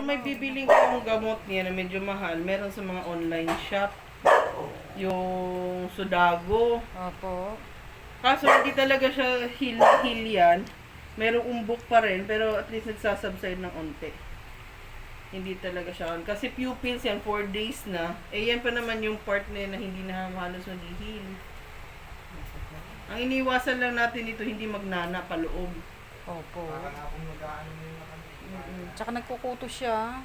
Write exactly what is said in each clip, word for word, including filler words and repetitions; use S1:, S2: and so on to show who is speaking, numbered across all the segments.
S1: Kung may bibiling kong gamot niya na medyo mahal, meron sa mga online shop. Yung Sudago.
S2: Opo.
S1: Kaso hindi talaga siya heal-heal yan. Merong umbok pa rin, pero at least nagsasubside ng onte. Hindi talaga siya. Kasi pupils yan, four days na. Eh yan pa naman yung part na yun na hindi na halos nag-heal. Ang iniwasan lang natin ito, hindi magnana paloob.
S2: Opo.
S3: Para nga kung mag-aano mo yung nakakita.
S2: Mm-mm. Tsaka nagkukuto siya.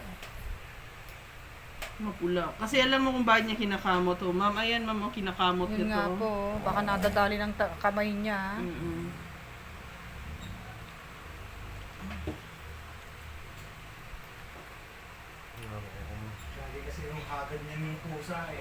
S1: Mapula. Kasi alam mo kung bakit niya kinakamot to. Ma'am, ayan ma'am, oh, kinakamot
S2: Yun
S1: niya
S2: nga
S1: to.
S2: po. Baka nadadali ng ta- kamay niya.
S1: Mm-mm.
S3: Lagi kasi yung hagad niya ng pusa eh.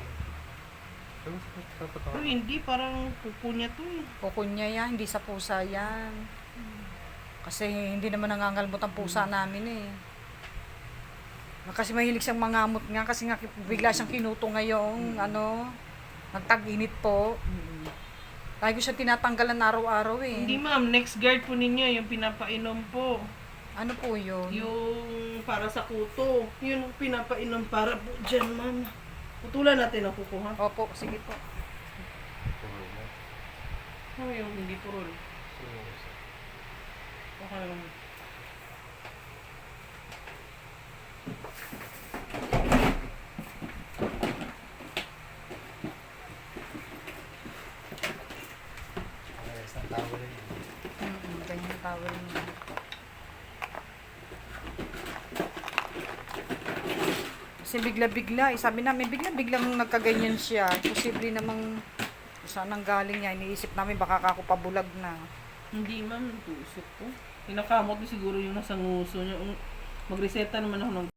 S1: Pero hindi, parang pupo niya to eh.
S2: Kuko niya yan, hindi sa pusa yan. Kasi hindi naman nangangalmot ang pusa namin eh. Kasi mahilig siyang mangamot nga kasi nga bigla siyang kinuto ngayong ano, nagtag-init po.
S1: Mm-mm.
S2: Lagi ko siya tinatanggalan araw-araw eh.
S1: Hindi ma'am, next guard po ninyo, yung pinapainom po.
S2: Ano po yun?
S1: Yung para sa kuto. Yun ang pinapainom para po dyan ma'am. Putulan natin ang kuko ha.
S2: Opo, sige po.
S1: Ano yung hindi purol? Okay lang.
S3: Ayos ng tao rin.
S2: Mm-mm, ganyan tawag niya. Kasi bigla-bigla, eh, sabi namin bigla-biglang nagkaganyan siya. Posible namang saan ang galing niya. Iniisip namin baka ako pabulag na.
S1: Hindi ma'am, tusok po. Kinakamot ko siguro yung nasa nguso niya. Magreseta naman ako ng